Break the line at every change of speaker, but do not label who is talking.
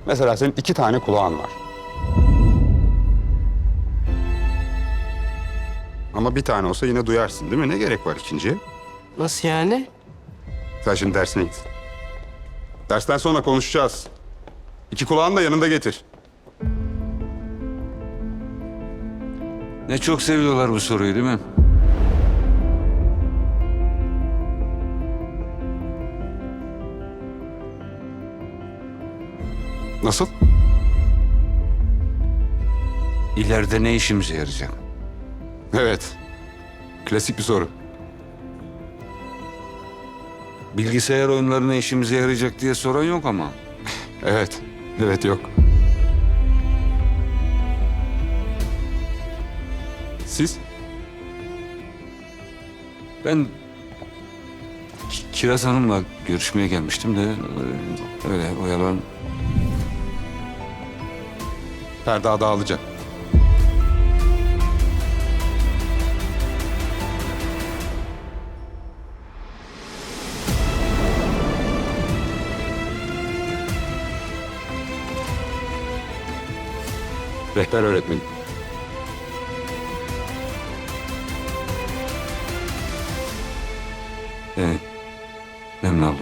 Mesela senin 2 tane kulağın var. Ama bir tane olsa yine duyarsın değil mi? Ne gerek var ikinciye?
Nasıl yani?
Sen şimdi dersine git. Dersten sonra konuşacağız. 2 kulağını da yanında getir.
Ne çok seviyorlar bu soruyu değil mi?
Nasıl?
İleride ne işimize yarayacak?
Evet. Klasik bir soru.
Bilgisayar oyunları ne işimize yarayacak diye soran yok ama.
Evet. Evet, yok. Siz?
Ben Kiraz Hanım'la görüşmeye gelmiştim de öyle oyalan.
Ferda dağılacak. Rehber öğretmenim.
Memnun oldum.